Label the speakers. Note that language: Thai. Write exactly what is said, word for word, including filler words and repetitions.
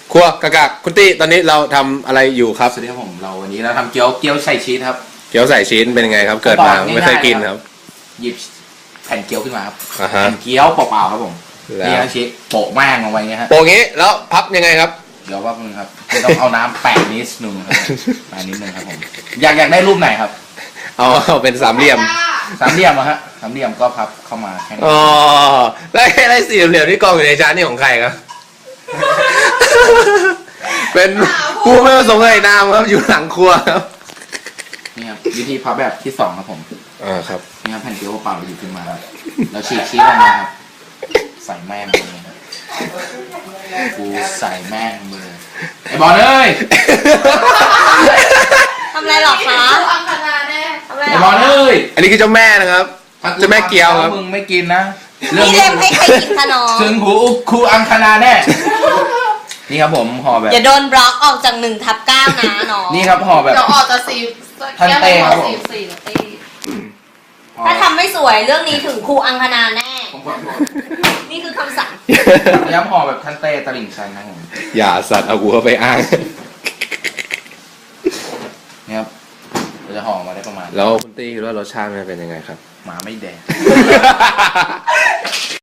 Speaker 1: ครัวกะกะคุณตี้ตอนนี้เราทำอะไรอยู่ครับ
Speaker 2: สวัสดีครับผมเราวันนี้เราทำเกี๊ยวเกี๊ยวใส่ชีสครับ
Speaker 1: เกี๊ยวใส่ชิ้นเป็นยังไงครับ เกิดมาไม่เคยกินครับ
Speaker 2: หยิบแผ่นเกี๊ยวขึ้นมาครับ
Speaker 1: อ่าฮะ
Speaker 2: แผ่นเกี๊ยวเปล่าๆครับผม
Speaker 1: แล้ว
Speaker 2: นี่นะชีสโปะแม่งลงไปเงี้ยฮะ
Speaker 1: โปะงี้แล้วพับยังไงครับ
Speaker 2: เดี๋ยวว่ามึงครับไม่ต้องเอาน้ำแปะนิดนึงครับแปะนิดนึงครับผมอยากอยากได้รูปไหนครับ
Speaker 1: เอาเอาเป็นสามเหลี่ยม
Speaker 2: สามเหลี่ยมอะฮะสามเหลี่ยมก็พับเข้ามาแค่นี้
Speaker 1: อ๋อแล้วไอ้ไรสี่เหลี่ยมที่กองอยู่ในจานนี่ของใครครับ เป็นผู้ไม่ประสงค์ในนามครับอยู่หลังครัวครับ
Speaker 2: นี่ครับวิธีพับแบบที่สองครับผม
Speaker 1: อ่าครับ
Speaker 2: นี่ครับแผ่นเกี๊ยวเปล่าๆหยิบขึ้นมาครับแล้วฉีกชีสลงมาครับใส่แม่งเลยครับกูใส่แม่งมือไอ้บอลเอ้ย
Speaker 3: ทำอะไรหรอคะ
Speaker 4: อังคณาแน่
Speaker 3: ทำอะไร
Speaker 2: ไอ้
Speaker 3: หร
Speaker 2: บ
Speaker 3: อ
Speaker 2: อลเอ้ย
Speaker 1: อันนี้คือเจ้าแม่นะครับ เจ้าแม่เกี๊ยวครับ
Speaker 2: มึงไม่กินนะ
Speaker 3: นี่เล่มให้ใครกินคะน้อง
Speaker 2: ถึงหูครูอังคณาแน่ นี่ครับผมห่อแบบ
Speaker 3: อย่าโดนบล็อกออกจากหนึ่งทับเก้านะน้อง
Speaker 2: นี่ครับห่อแบบ
Speaker 4: เดี๋ยวออกจะสี
Speaker 2: ท่านเต้ครับผม
Speaker 4: สีสีตี
Speaker 2: ห่อ
Speaker 3: ถ้าทำไม่สวยเรื่องนี้ถึงครูอังคณาแน่
Speaker 2: ผมขอโทษ
Speaker 3: นี่คือคำสั่ง
Speaker 2: นี่ครับห่อแบบท่านเต้ตลิ่งชันนะครับผม
Speaker 1: อย่าสัตว์เอากูเข้าไปอ้าง
Speaker 2: นี่ครับเราจะห่อมาได้ประมาณ
Speaker 1: แล้วคุณตี้คิดว่ารสชาติมันเป็นยังไงครับ
Speaker 2: หมาไม่แดง